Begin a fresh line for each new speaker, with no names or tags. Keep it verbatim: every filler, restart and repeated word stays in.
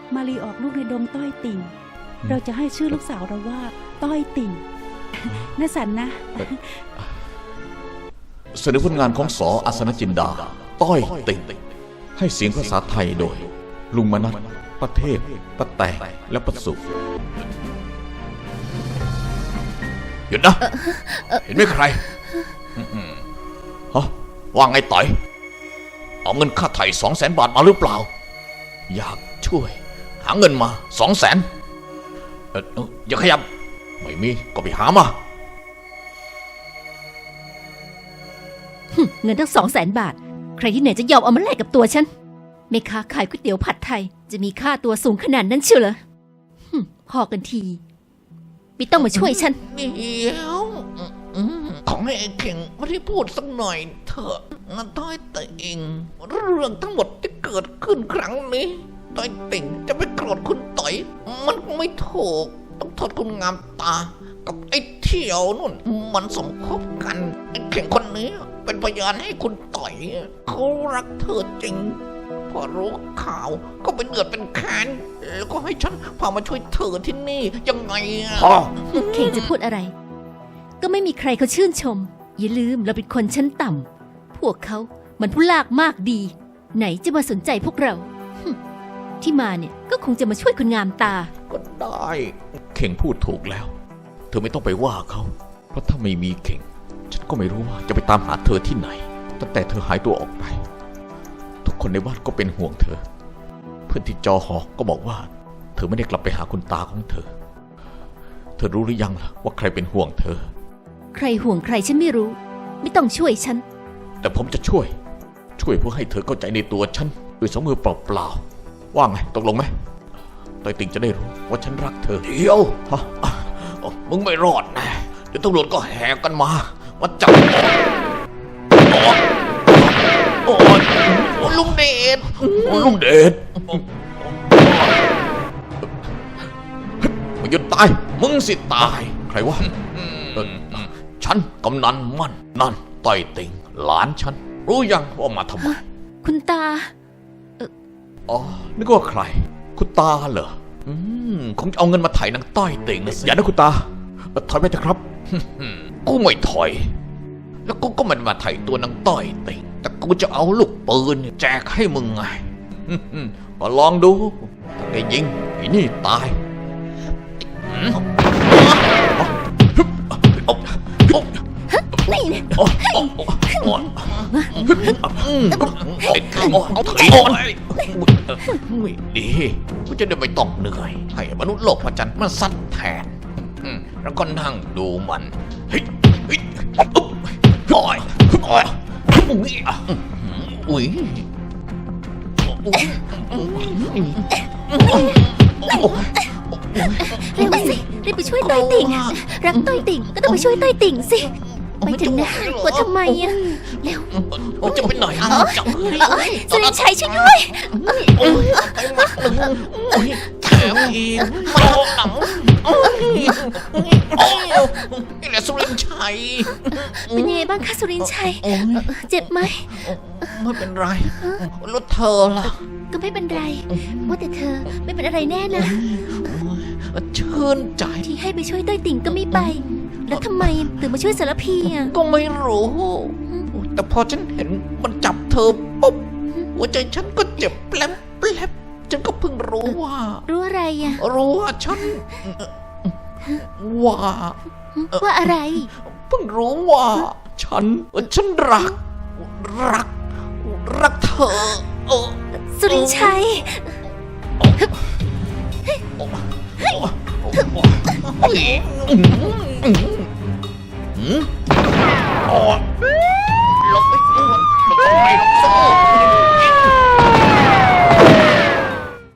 มาลีออกลูกในดงต้อยติ่งเราจะให้ชื่อลูกสาวเราว่าต้อยติ่งน่าสันนะ
เสนอผลงานของสออัศนจินดาต้อยติ่งให้เสียงภาษาไทยโดยลุงมนัสประเทศป้าแตงและประสุหยุดนะเห็นไหมใครฮะว่าไงต่อยเอาเงินค่าไถ่สองแสนบาทมาหรือเปล่าอยากช่วยหาเงินมาสองแสนอย่าขยับไม่มีก็ไปหามา
เงินทั้งสองแสนบาทใครที่ไหนจะยอมเอามาแลกกับตัวฉันแม่ค้าขายก๋วยเตี๋ยวผัดไทยจะมีค่าตัวสูงขนาดนั้นเชียวเหรอพอกันทีไม่ต้องมาช่วยฉัน
เดี๋ยวของให้ไอ้เข่งไม่ได้พูดสักหน่อยเถอะนะต้อยติ่งเรื่องทั้งหมดที่เกิดขึ้นครั้งนี้ต้อยติ่งจะไปโกรธคุณต่อยมันไม่ถูกต้องโทษคุณงามตากับไอ้เที่ยวนู่นมันสมคบกันไอ้เข่งคนนี้เป็นพยานให้คุณต่อยเขารักเธอจริงพอรู้ข่าวก็เป็นเดือดเป็นแค้นแล้วก็ให้ฉันพามาช่วยเธอที่นี่ยังไงอ่ะ
เข่งจะพูดอะไรก็ไม่มีใครเขาชื่นชมอย่าลืมเราเป็นคนชั้นต่ำพวกเขามันผู้ลากมากดีไหนจะมาสนใจพวกเราที่มาเนี่ยก็คงจะมาช่วยคนงามตา
ก็ได้เข่งพูดถูกแล้วเธอไม่ต้องไปว่าเขาเพราะถ้าไม่มีเข่งฉันก็ไม่รู้ว่าจะไปตามหาเธอที่ไหนตั้งแต่เธอหายตัวออกไปทุกคนในบ้านก็เป็นห่วงเธอเพื่อนที่จอหอก็บอกว่าเธอไม่ได้กลับไปหาคุณตาของเธอเธอรู้หรือยังล่ะว่าใครเป็นห่วงเธอ
ใครห่วงใครฉันไม่รู้ไม่ต้องช่วยฉัน
แต่ผมจะช่วยช่วยเพื่อให้เธอเข้าใจในตัวฉันด้วยสองมือเปล่าๆว่าไงตกลงไหมต้อยติ่งจะได้รู้ว่าฉันรักเธอเดี๋ยวฮะมึงไม่รอดนะเดี๋ยวตำรวจก็แห่กันมามาจับโอ้ย
ลุงเดช
ลุงเดชมึงหยุดตายมึงสิตายใครวะฉันกำนันมั่นนั่นต้อยติ่งหลานฉันรู้ยังว่ามาทำไม
คุณตา
อ๋อนึกว่าใครคุณตาเหรออืมคงจะเอาเงินมาไถ่นางต้อยติ่งนะสิอย่านะคุณตาถอยไปเถอะครับกูไม่ถอยแล้วกูก็มันมาไถ่ตัวนางต้อยติ่งแต่กูจะเอาลูกปืนแจกให้มึงไงก็ลองดูถ้าแกยิงไอ้นี่ตาย
นี่เนี่ย
ไม่ดีกูจะได้ไม่ต้องเหนื่อยให้มนุษย์โลกพระจันทร์มันซัดแทนแล้วก็นั่งดูมันเฮ้ยเฮ้ยอุ๊บโอ้ยโอ้ยอุ้ยอุ้ย
เร็วสิรีบไปช่วยต้อยติ่งรักต้อยติ่งก็ต้องไปช่วยต้อยติ่งสิไปถึงนะกลัวทำไมอ่ะเร็ว
จะไปไหนจับ
สุรินชัยช่วยด้วย
แถมอีกมาหนังนี่แหละสุรินชัย
เป็นยังไงบ้างคะสุรินชัยเจ็บไหม
ไม่เป็นไรรถเธอล่ะ
ก็ไม่เป็นไรว่าแต่เธอไม่เป็นอะไรแน่นะ
ชื่นใจ
ที่ให้ไปช่วยต้อยติ่งก็ไม่ไปแล้วทำไมถึงมาช่วยสารพีอ่ะ
ก็ไม่รู้แต่พอฉันเห็นมันจับเธอปุ๊บหัวใจฉันก็เจ็บแปลบแปลบฉันก็เพิ่งรู้ว่า
รู้อะไรอ่ะ
รู้ว่าฉันว่า
ว่าอะไร
เพิ่งรู้ว่าฉันฉันรักรักรักเธอเออ
สุรินชัย
ลงไปลงไปลงไป